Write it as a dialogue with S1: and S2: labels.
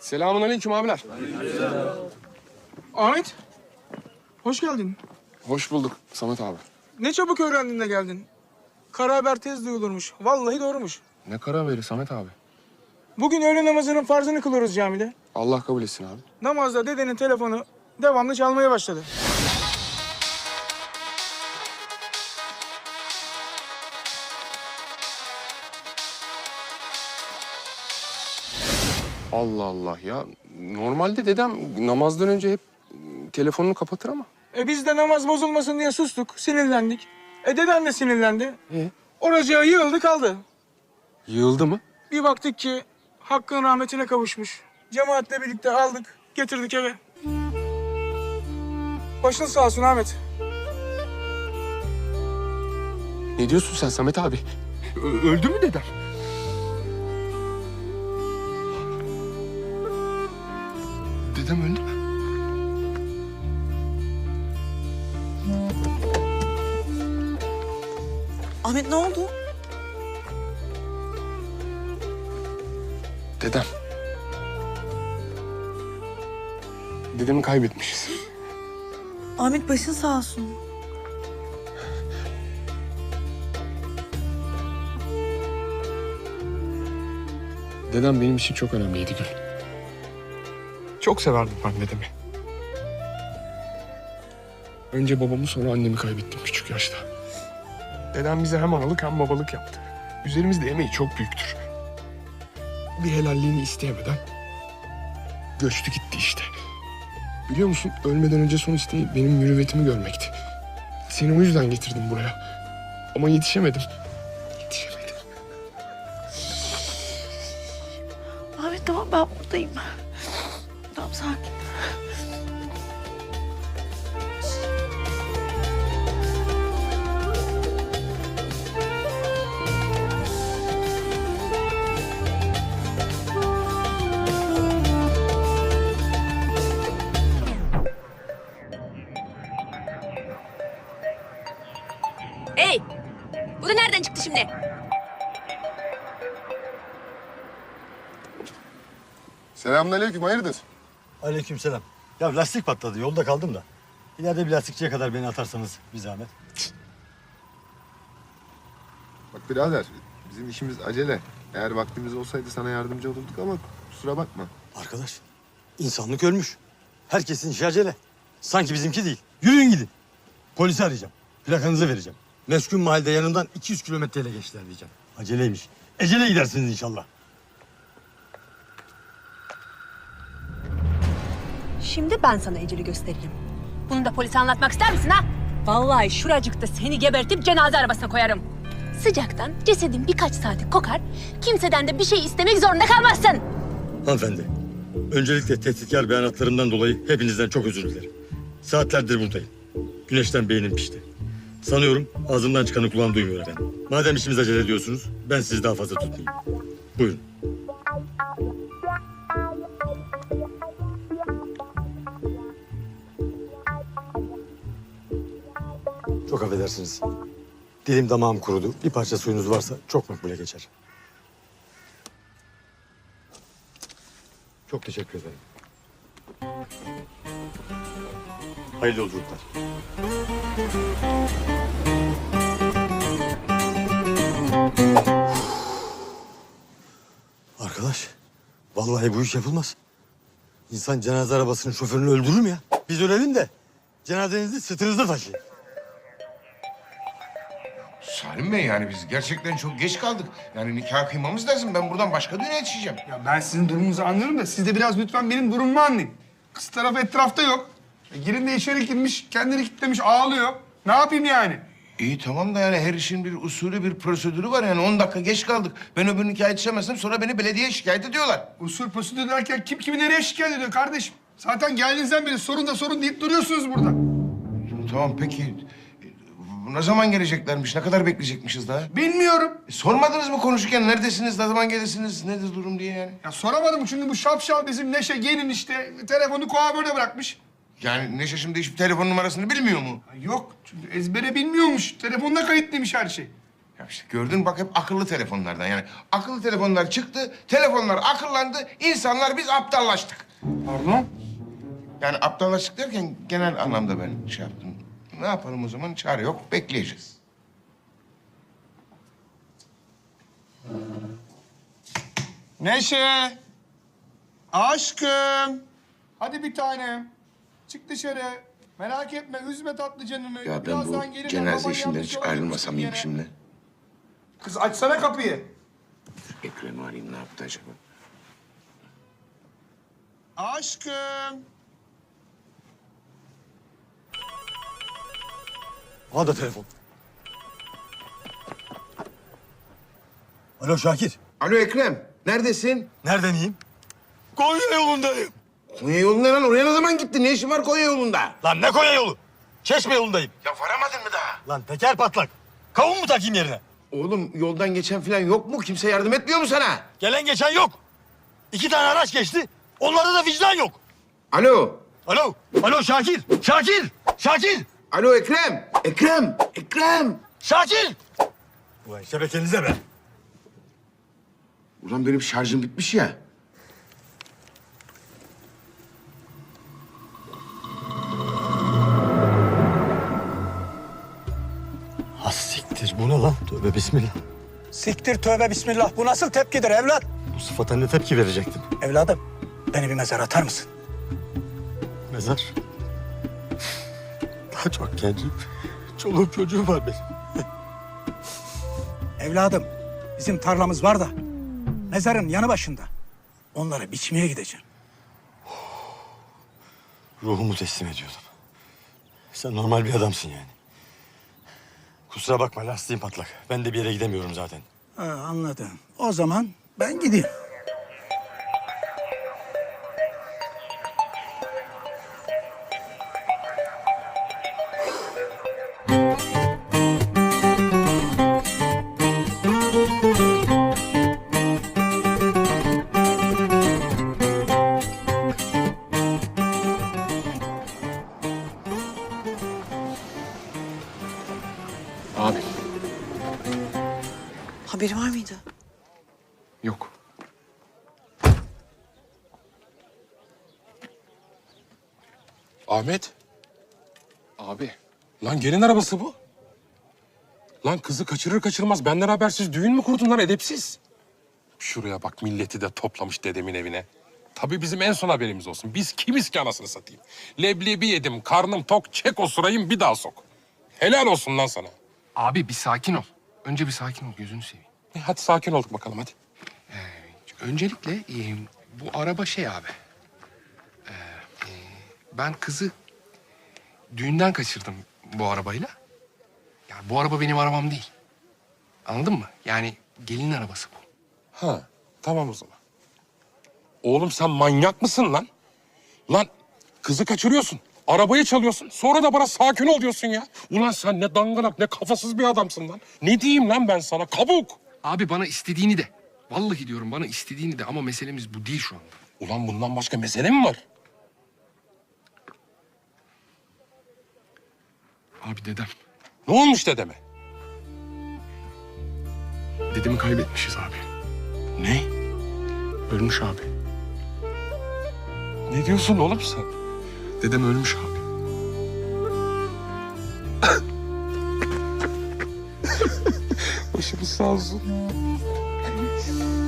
S1: Selamünaleyküm abiler.
S2: Ahmet, hoş geldin.
S1: Hoş bulduk Samet abi.
S2: Ne çabuk öğrendin de geldin. Kara haber tez duyulurmuş. Vallahi doğrumuş.
S1: Ne karar verir Samet abi?
S2: Bugün öğle namazının farzını kılıyoruz camide.
S1: Allah kabul etsin abi.
S2: Namazda dedenin telefonu devamlı çalmaya başladı.
S1: Allah Allah ya. Normalde dedem namazdan önce hep telefonunu kapatır ama.
S2: Biz de namaz bozulmasın diye sustuk, sinirlendik. Deden de sinirlendi.
S1: E?
S2: Oracığa yığıldı kaldı.
S1: Yığıldı mı?
S2: Bir baktık ki Hakk'ın rahmetine kavuşmuş. Cemaatle birlikte aldık, getirdik eve. Başın sağ olsun Ahmet.
S1: Ne diyorsun sen Samet abi? Öldü mü dedem? Dedem öldü mü?
S3: Ahmet ne oldu?
S1: Dedem. Dedemi kaybetmişiz.
S3: Ahmet başın sağ olsun.
S1: Dedem benim için çok önemliydi Gül. Çok severdim ben dedemi. Önce babamı sonra annemi kaybettim küçük yaşta. Dedem bize hem analık hem babalık yaptı. Üzerimizde emeği çok büyüktür. Bir helalliğini isteyemeden göçtü gitti işte. Biliyor musun ölmeden önce son isteği benim mürüvvetimi görmekti. Seni o yüzden getirdim buraya. Ama yetişemedim. Yetişemedim.
S3: Ahmet tamam ben buradayım. Tamam sakin.
S4: Hey! Bu da nereden çıktı şimdi?
S1: Selamünaleyküm, hayırdır?
S5: Aleykümselam. Ya lastik patladı. Yolda kaldım da. İleride bir lastikçiye kadar beni atarsanız bir zahmet.
S6: Bak birader, bizim işimiz acele. Eğer vaktimiz olsaydı sana yardımcı olurduk ama kusura bakma.
S5: Arkadaş, insanlık ölmüş. Herkesin işi acele. Sanki bizimki değil. Yürüyün gidin. Polisi arayacağım. Plakanızı vereceğim. Meskun mahallede yanından 200 kilometreyle geçtiler diyeceğim. Aceleymiş. Ecele gidersiniz inşallah.
S4: Şimdi ben sana eceli göstereyim. Bunu da polise anlatmak ister misin ha? Vallahi şuracıkta seni gebertip cenaze arabasına koyarım. Sıcaktan cesedin birkaç saati kokar, kimseden de bir şey istemek zorunda kalmazsın.
S5: Hanımefendi, öncelikle tehditkar beyanatlarımdan dolayı hepinizden çok özür dilerim. Saatlerdir buradayım. Güneşten beynim pişti. Sanıyorum ağzımdan çıkanı kulağım duymuyor efendim. Madem işimiz acele ediyorsunuz, ben sizi daha fazla tutmayayım. Buyurun. Çok affedersiniz. Dilim damağım kurudu. Bir parça suyunuz varsa çok makbule geçer. Çok teşekkür ederim. Hayırlı yolculuklar. Arkadaş, vallahi bu iş yapılmaz. İnsan cenaze arabasının şoförünü öldürür mü ya? Biz ölelim de cenazenizi sırtınızda taşıyın.
S7: Salim Bey yani biz gerçekten çok geç kaldık. Yani nikah kıymamız lazım. Ben buradan başka düğüne yetişeceğim.
S2: Ya ben sizin durumunuzu anlarım da siz de biraz lütfen benim durumumu anlayın. Kız tarafı etrafta yok. Girin de içeri girmiş, kendini kilitlemiş, ağlıyor. Ne yapayım yani?
S7: İyi tamam da yani her işin bir usulü, bir prosedürü var. Yani 10 dakika geç kaldık. Ben öbür nikah yetişemezsem sonra beni belediyeye şikayet ediyorlar.
S2: Usul prosedür derken kim kimi nereye şikayet ediyor kardeşim? Zaten geldiğinizden beri sorun da sorun deyip duruyorsunuz burada.
S7: Tamam peki. Ne zaman geleceklermiş? Ne kadar bekleyecekmişiz daha?
S2: Bilmiyorum.
S7: Sormadınız mı konuşurken neredesiniz, ne zaman gelirsiniz, nedir durum diye yani?
S2: Ya soramadım çünkü bu şapşal bizim Neşe gelin işte telefonu kuaförde bırakmış.
S7: Yani Neşe şimdi hiçbir telefon numarasını bilmiyor mu?
S2: Ya yok çünkü ezbere bilmiyormuş. Telefonda kayıtlıymış her şey.
S7: Ya işte gördün bak hep akıllı telefonlardan yani. Akıllı telefonlar çıktı, telefonlar akıllandı, insanlar biz aptallaştık.
S2: Pardon?
S7: Yani aptallaştık derken genel anlamda ben şey yaptım. Ne yapalım o zaman? Çare yok, bekleyeceğiz.
S2: Neşe! Aşkım! Hadi bir tanem. Çık dışarı. Merak etme, üzme tatlı canını.
S7: Ya ben bu
S2: Birazdan gelir,
S7: cenaze
S2: baban
S7: işinden
S2: yanlış
S7: hiç
S2: yola
S7: ayrılmasam iyiyim
S2: gitmiştir yine.
S7: şimdi.
S2: Kız açsana kapıyı.
S7: Ekrem'i arayayım ne yaptı acaba?
S2: Aşkım!
S5: Al da telefon. Alo Şakir.
S7: Alo Ekrem, neredesin?
S5: Nereden iyiyim? Konya yolundayım.
S7: Konya yolunda lan. Oraya ne zaman gittin? Ne işin var Konya yolunda?
S5: Lan ne Konya yolu? Çeşme yolundayım.
S7: Ya varamadın mı daha?
S5: Lan teker patlak. Kavun mu takayım yerine?
S7: Oğlum yoldan geçen falan yok mu? Kimse yardım etmiyor mu sana?
S5: Gelen geçen yok. 2 tane araç geçti. Onlarda da vicdan yok.
S7: Alo.
S5: Alo. Alo Şakir. Şakir. Şakir.
S7: Alo Ekrem. Ekrem. Ekrem.
S5: Şakir. Ulan şebekenize be.
S7: Ulan benim şarjım bitmiş ya.
S5: Ha siktir bu ne lan? Tövbe bismillah.
S8: Siktir tövbe bismillah. Bu nasıl tepkidir evlat?
S5: Bu sıfata ne tepki verecektim?
S8: Evladım beni bir mezara atar mısın?
S5: Mezar. Daha çok gencim. Çoluğum çocuğum var benim.
S8: Evladım bizim tarlamız var da mezarın yanı başında. Onları biçmeye gideceğim.
S5: Ruhumu teslim ediyordum. Sen normal bir adamsın yani. Kusura bakma lastiğim patlak. Ben de bir yere gidemiyorum zaten.
S8: Ha, anladım. O zaman ben gideyim.
S1: Abi
S3: Haberi var mıydı?
S1: yok.
S9: Ahmet,
S1: Abi
S9: lan gelin arabası bu. Lan kızı kaçırır kaçırmaz benden habersiz düğün mü kurdun lan edepsiz? Şuraya bak milleti de toplamış dedemin evine. Tabii bizim en son haberimiz olsun. Biz kimiz ki anasını satayım? Leblebi yedim, karnım tok, çek o sırayım bir daha sok. Helal olsun lan sana.
S1: abi bir sakin ol. Önce bir sakin ol gözünü seveyim.
S9: Hadi sakin olduk bakalım hadi.
S1: Öncelikle bu araba şey abi. Ben kızı düğünden kaçırdım bu arabayla. Ya bu araba benim arabam değil. Anladın mı? Yani gelinin arabası bu.
S9: Ha, tamam o zaman. Oğlum sen manyak mısın lan? Lan kızı kaçırıyorsun, arabayı çalıyorsun. Sonra da bana sakin ol diyorsun ya. Ulan sen ne dangalak ne kafasız bir adamsın lan. Ne diyeyim lan ben sana kabuk.
S1: Abi bana istediğini de. Vallahi diyorum bana istediğini de ama meselemiz bu değil şu anda.
S9: Ulan bundan başka mesele mi var?
S1: Abi dedem.
S9: Ne olmuş dedeme?
S1: Dedemi kaybetmişiz abi.
S9: Ne?
S1: Ölmüş abi.
S9: Ne diyorsun oğlum sen?
S1: Dedem ölmüş abi.
S9: Başımız sağ olsun.